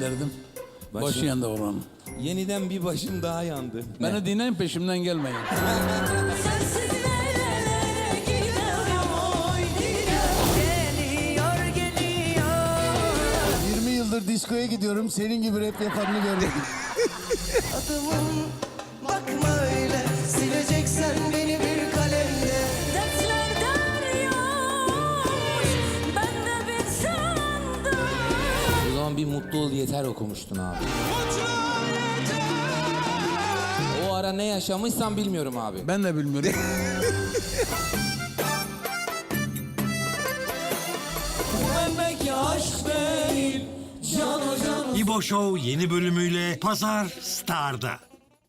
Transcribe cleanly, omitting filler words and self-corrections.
gönderdim. Başı yandı oğlan. Yeniden bir başım daha yandı. Beni dinleyin, peşimden gelmeyin. Sensiz nerelere giderim oy geliyor geliyor. 20 yıldır diskoya gidiyorum. Senin gibi rap yapanını görmedim. Adımım bakma öyle, sileceksen beni bir kalemle. Dertler deryoş, ben de bir sandım. O zaman bir mutlu ol yeter okumuştun abi. O ara ne yaşamışsam bilmiyorum abi. Ben de bilmiyorum. Demek ki aşk değil, can o can o. İbo Show yeni bölümüyle Pazar Star'da.